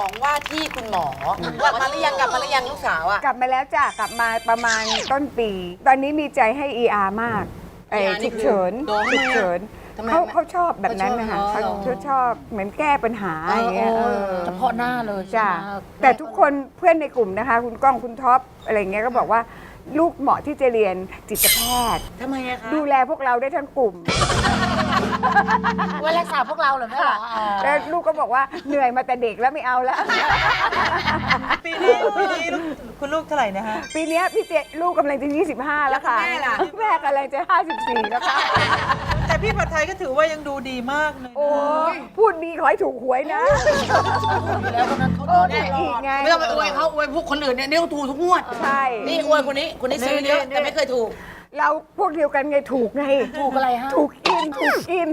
2ว่าที่คุณหมอกลับมาหรือยังลูกสาวอ่ะกลับมาแล้วจ้ะกลับมาประมาณต้นปี ตอนนี้มีใจให้ ER มาก ER นี่ฉุกเฉินคือฉุกเฉินทำไมเขาชอบแบบนั้นนะคะเขาชอบเขาชอบเหมือนแก้ปัญหาอย่างเงี้ยเฉพาะหน้าเลยจ้ะใช่ไหมแต่ทุกคนเพื่อนในกลุ่มนะคะ คุณก้องคุณท็อปอะไรเงี้ยก็บอกว่าลูกเหมาะที่จะเรียนจิตแพทย์ทำไมอะคะดูแลพวกเราได้ทั้งกลุ่มไว้รักษาพวกเราเหรอแม่เหรอแล้วลูกก็บอกว่าเหนื่อยมาแต่เด็กแล้วไม่เอาแล้วปีนี้คุณลูกเท่าไหร่นะฮะปีเนี้ยพี่เจลูกกำลังจะ 25 แล้วค่ะแม่ล่ะแม่กำลังจะ 54 แล้วค่ะแต่พี่ผัดไทยก็ถือว่ายังดูดีมากเลยนะโอ้ยพูดดีขอให้ถูกหวยนะแล้วคนนั้นเขาโอ้ถูกอีกไงไม่ต้องไปอวยเขาอวยพวกคนอื่นเนี่ยนี่เขาถูกทุกงวดใช่นี่อวยคนนี้ซื้อเยอะแต่ไม่เคยถูกเราพวกเดียวกันไงถูกไงถูกอะไรฮะถูกกินถูกกิน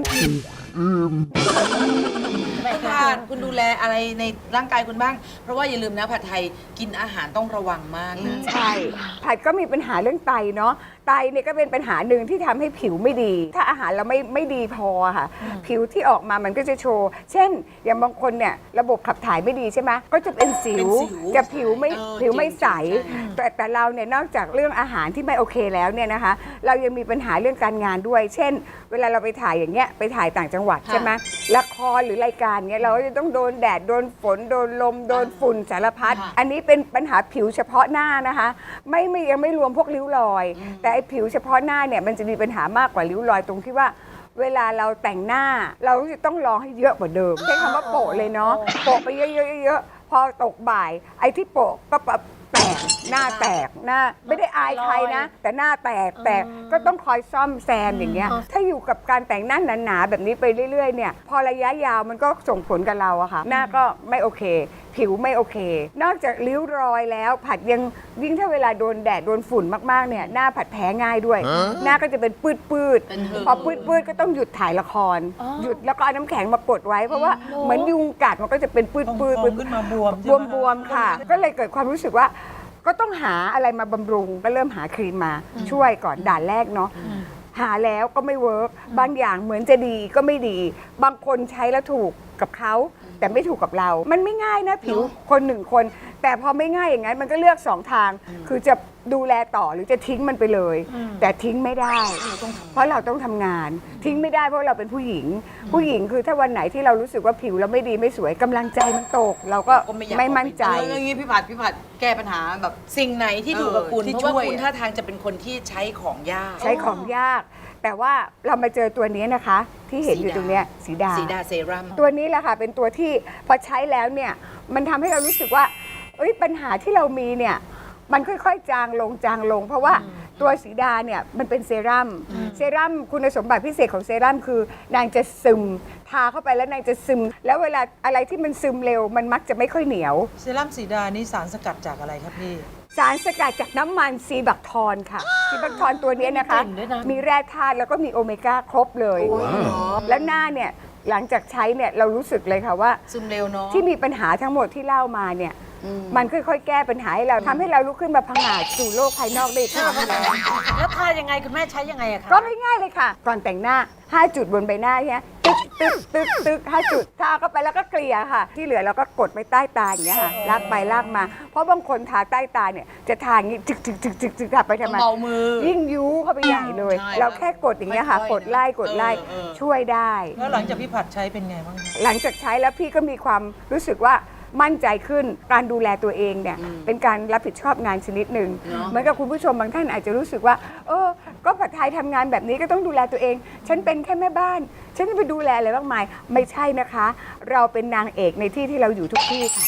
คุณดูแลอะไรในร่างกายคุณบ้าง เพราะว่าอย่าลืมนะผัดไทยกินอาหารต้องระวังมากนะใช่ผัดก็มีปัญหาเรื่องไตเนาะไตเนี่ยก็เป็นปัญหาหนึ่งที่ทำให้ผิวไม่ดี ถ้าอาหารเราไม่ดีพอค่ะ ผิวที่ออกมามันก็จะโชว์ เช่น อย่างบางคนเนี่ยระบบขับถ่ายไม่ดีใช่ไหมก็จะเป็นสิว จะผิวไม่ใส แต่เราเนี่ยนอกจากเรื่องอาหารที่ไม่โอเคแล้วเนี่ยนะคะ เรายังมีปัญหาเรื่องการงานด้วย เช่น เวลาเราไปถ่ายอย่างเงี้ยไปถ่ายต่างจังหวัดใช่ไหมละครหรือรายการเงี้ยเราก็จะต้องโดนแดดโดนฝนโดนลมโดนฝุ่นสารพัดอันนี้เป็นปัญหาผิวเฉพาะหน้านะคะยังไม่รวมพวกริ้วรอย แต่ไอ้ผิวเฉพาะหน้าเนี่ยมันจะมีปัญหามากกว่าริ้วรอยตรงที่ว่า เวลาเราแต่งหน้าเราจะต้องลองให้เยอะกว่าเดิมใช้คำว่าโปะเลยเนาะโปะไปเยอะๆพอตกบ่าย ไอ้ที่โปะก็แตกหน้าแตกหน้าไม่ได้อายใครนะ แต่หน้าแตกก็ต้องคอยซ่อมแซมอย่างเงี้ยถ้าอยู่กับการแต่งหน้าหนาๆแบบนี้ไปเรื่อยๆเนี่ยพอระยะยาวมันก็ส่งผลกับเราอะค่ะหน้าก็ไม่โอเค ผิวไม่โอเค นอกจากริ้วรอยแล้วผัดยังยิ่งถ้าเวลาโดนแดดโดนฝุ่นมากๆเนี่ยหน้าผัดแพ้ง่ายด้วย หน้าก็จะเป็นปืดพอปืดก็ต้องหยุดถ่ายละคร หยุดแล้วก็เอาน้ำแข็งมากดไว้เพราะว่าเหมือนยุงกัดมันก็จะเป็นปืดพองขึ้นมาบวมใช่ไหมบวมๆค่ะ ก็เลยเกิดความรู้สึกว่า ก็ต้องหาอะไรมาบำรุงก็เริ่มหาครีมมาช่วยก่อนด่านแรกเนาะหาแล้วก็ไม่เวิร์กบางอย่างเหมือนจะดีก็ไม่ดี บางคนใช้แล้วถูกกับเขาแต่ไม่ถูกกับเรา มันไม่ง่ายนะผิวคนหนึ่งคน แต่พอไม่ง่ายอย่างนั้นมันก็เลือกสองทาง คือจะดูแลต่อหรือจะทิ้งมันไปเลย แต่ทิ้งไม่ได้ เพราะเราต้องทำงาน ทิ้งไม่ได้เพราะเราเป็นผู้หญิง ผู้หญิงคือถ้าวันไหนที่เรารู้สึกว่าผิวเราไม่ดีไม่สวยกำลังใจมันตก เราก็ก็ไม่อยากไม่มั่นใจอย่างนี้พี่ผัดแก้ปัญหาแบบสิ่งไหนที่ถูกกับคุณเพราะว่าคุณท่าทางจะเป็นคนที่ใช้ของยากใช้ของยาก แต่ว่าเรามาเจอตัวนี้นะคะ ที่เห็นอยู่ตรงเนี้ยสีดาสีดาเซรั่มตัวนี้แหละค่ะเป็นตัวที่พอใช้แล้วเนี่ยมันทำให้เรารู้สึกว่าเอ้ยปัญหาที่เรามีเนี่ยมันค่อยๆจางลง เพราะว่าตัวสีดาเนี่ยมันเป็นเซรั่มคุณสมบัติพิเศษของเซรั่มคือนางจะซึมทาเข้าไปแล้วนางจะซึม แล้วเวลาอะไรที่มันซึมเร็วมันมักจะไม่ค่อยเหนียวเซรั่มสีดานี่สารสกัดจากอะไรครับพี่สารสกัดจากน้ำมันซีบักทอนค่ะซีบักทอนตัวนี้นะคะ มีแร่ธาตุแล้วก็มีโอเมก้าครบเลย แล้วหน้าเนี่ยหลังจากใช้เนี่ยเรารู้สึกเลยค่ะว่าซึมเร็วเนาะที่มีปัญหาทั้งหมดที่เล่ามาเนี่ยมันค่อยๆ แก้ปัญหาให้เราทำให้เราลุกขึ้นมาพังอาจสู่โลกภายนอกได้อีกครั้งแล้วทายังไงคุณแม่ใช้ยังไงอะคะก็ง่ายๆเลยค่ะ ก่อนแต่งหน้า 5 จุดบนใบหน้าเนี่ยตึก5 จุดทาเข้าไปแล้วก็เกลี่ยค่ะ ที่เหลือเราก็กดไปใต้ตาอย่างเงี้ยค่ะลากไปลากมา เพราะบางคนทาใต้ตาเนี่ยจะทาอย่างงี้จึกทาไปทำไมเบามือยิ่งยุเข้าไปใหญ่เลยใช่เราแค่กดอย่างเงี้ยค่ะค่อยๆกดไล่ช่วยได้แล้วหลังจากพี่ผัดใช้เป็นไงบ้างคะหลังจากใช้แล้วพี่ก็มีความรู้สึกว่ามั่นใจขึ้นการดูแลตัวเองเนี่ยเป็นการรับผิดชอบงานชนิดหนึ่งเหมือนกับคุณผู้ชมบางท่านอาจจะรู้สึกว่าก็ผัดไทยทำงานแบบนี้ก็ต้องดูแลตัวเอง ฉันเป็นแค่แม่บ้าน ฉันจะไปดูแลอะไรมากมายไม่ใช่นะคะ เราเป็นนางเอกในที่ที่เราอยู่ทุกที่ค่ะ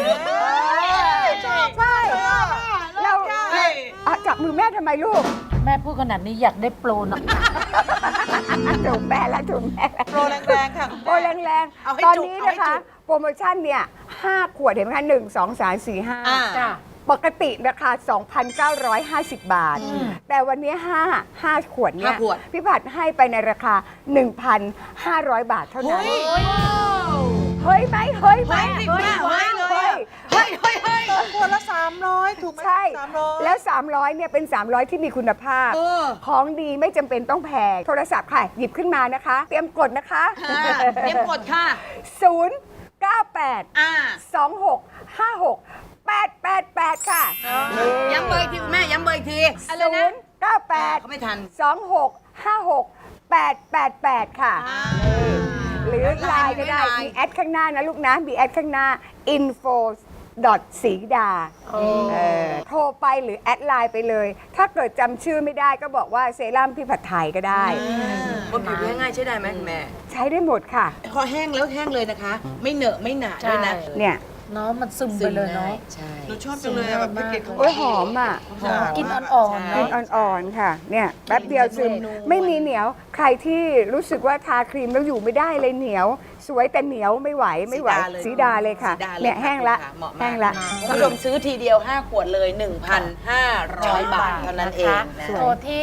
ใช่เราจับมือแม่ทำไมลูกแม่พูดขนาดนี้อยากได้โปรนะถูกแม่แล้วถูกแม่แล้วโปรแรงๆค่ะโปรแรงเอาให้ๆ ตอนจุกนี้เอาให้นะคะจุกโปรโมชั่นเนี่ย5 ขวดเห็นไหมคะ1 2 3 4 5 จ้ะปกติราคา 2,950 บาท แต่วันนี้5 ขวดเนี่ย 5 ขวดพี่ผัดให้ไปในราคา 1,500 บาทเท่านั้น เฮ้ยไหมเฮ้ยเลยเฮ้ยขวดละ300ถูกไหมใช่ 300 แล้ว 300 เนี่ยเป็น 300 ที่มีคุณภาพ ของดีไม่จำเป็นต้องแพง โทรศัพท์ค่ะ หยิบขึ้นมานะคะ เตรียมกดนะคะเตรียมกดค่ะ 098 อ่า 26568888 ค่ะย้ำเบอร์อีกทีคุณแม่ย้ำเบอร์อีกที 098 เขาไม่ทัน 26568888 ค่ะ หรือไลน์ก็ได้ มีแอดข้างหน้านะลูกนะ มีแอดข้างหน้า info สีดาโทรไปหรือแอดไลน์ไปเลย ถ้าเกิดจำชื่อไม่ได้ก็บอกว่าเซรั่มพี่ผัดไทยก็ได้บนผิวง่ายๆใช้ได้ไหมคุณแม่ใช้ได้หมดค่ะพอแห้งแล้วแห้งเลยนะคะ ไม่เหนอะไม่หนาด้วยนะเนี่ยเนาะมันซึมไปเลยเนาะใช่หนูชอบจังเลยอะแบบแพ็กเกจของโอ้ยหอมอ่ะกินอ่อนๆกิเนาะนอ่อนๆค่ะ เนี่ยแป๊บเดียวซึมไม่มีเหนียว ใครที่รู้สึกว่าทาครีมแล้วอยู่ไม่ได้เลยเหนียว สวยแต่เหนียวไม่ไหวสีดาเลยค่ะ เนี่ยแห้งละเหมาะมากแห้งละคุณผู้ชมซื้อทีเดียว 5 ขวดเลย 1,500 บาทเท่านั้นเองนะโทรที่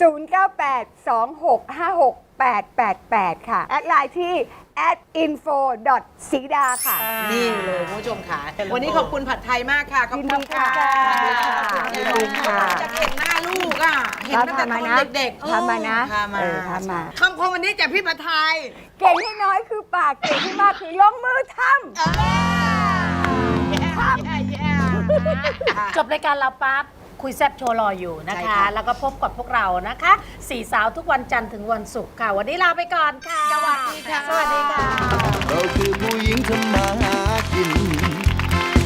0982656888 ค่ะ แอดไลน์ที่ @info สีดาค่ะนี่เลยคุณผู้ชมค่ะ วันนี้ขอบคุณผัดไทยมากค่ะ ขอบคุณค่ะยินดีค่ะจะเห็นหน้าลูกอ่ะ เห็นตั้งแต่ตอนเด็กๆทำมานะพามาทำมาคำคมวันนี้จากพี่ผัดไทยเก่งให้น้อยคือปาก เก่งให้มากคือลงมือทำจบรายการเราปั๊บคุยแซบโชว์รออยู่นะใช่คะค่ะแล้วก็พบกับพวกเรานะคะสี่สาวทุกวันจันทร์ถึงวันศุกร์ค่ะ วันนี้ลาไปก่อนค่ะสวัสดีค่ะสวัสดีค่ะเราคือผู้หญิงทำมาหากิน